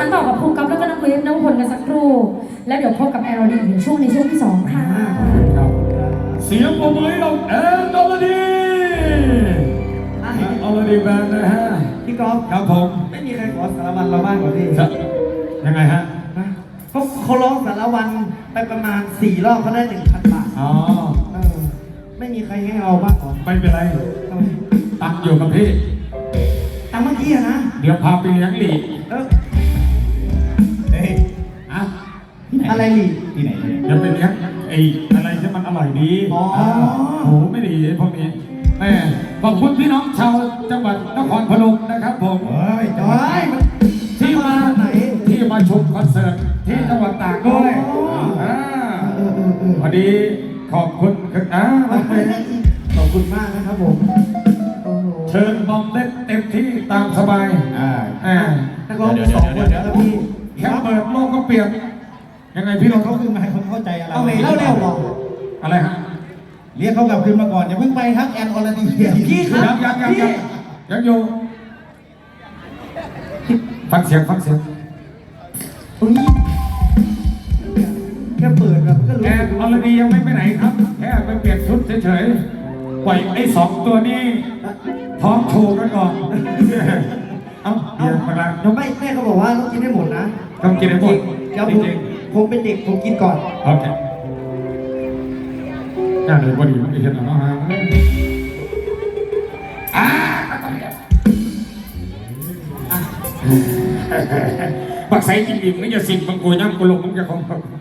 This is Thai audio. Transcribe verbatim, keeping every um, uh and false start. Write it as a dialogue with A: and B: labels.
A: านต่อกับครูกั๊บแล้วก็น้องเวฟน้องพลกันสักครู่แล้วเดี๋ยวพบกับแอร์ดีในช่วงในช่วงที่สองค่ะ
B: เสียงปรบมือให้เราแอนอลดีอลดีแบนนะฮะ
C: พี่กอล์ฟ
B: ครับผม
C: ไม่มีใครขอสารวันเราบ้างเหรอพี่
B: ยังไงฮะ
C: เขาเขาร้องสารวันไปประมาณสี่รอบเขาได้หนึ่งพันบาท
B: อ๋อ
C: ไม่มีใครให้เอาบ้างหรอ
B: ไม่เป็นไรตังอยู่กับพี่
C: ตังเมื่อกี้อะนะ
B: เดี๋ยวพาไปเลี้ยงหลี
C: เออ
B: เฮ้ยอะ
C: อะไรหลี
B: ที่ไหนเดี๋ยวไปเลี้ยงไอ้อะไรที่มันอร่อยดี
C: อ๋อ
B: โหไม่ดีพวกนี้แม่ขอบคุณพี่น้องชาวจังหวัดนครพนมนะครับผม
C: เฮ้ยจอย
B: ที่มาไหนที่มาชมคอนเสิร์ตที่จังหวัดตากด้วยพอดีขอบคุณอ่า
C: ขอบคุณมากนะครับผม
B: เชิญบอมเล่นเต็มที่ตามสบายอ่าอ่า
C: นักร้องสองคนแล้วพี่
B: แค่เปิดโลกก็เปลี่ยนยังไงพี่น้อง
C: เขาคือมาให้คนเข้าใจอะไรเอาเล่าเร็วหรอ
B: อะไรฮะ
C: เรียกเขากลับคืนมาก่อนอย่าเพิ่งไปครับแอนออลดีพี่ครับ
B: ยังยังยังยังอยู่ฟังเสียงฟังเสียง
C: แค่เปิดแบบก็รู้
B: แอนออลดียังไม่ไปไหนครับแค่ไปเปลี่ยนชุดเฉยๆปล่อยไอ้สองตัวนี้พร้อมโชว์กันก่อนเอาเดี๋ยวมาละ
C: เราไม่แม่เขาบอกว่าต้องกินให้หมดนะ
B: ต้องกินให้หมด
C: เดี๋ยวผมผมเป็นเด็กผมกินก่อน
B: โอเคน่าเลยพอดีมันจะเห็นหรอฮะอ่าบักใส่จริงๆไม่จะสิ่งบางกูย่ำกูลงมึงจะคง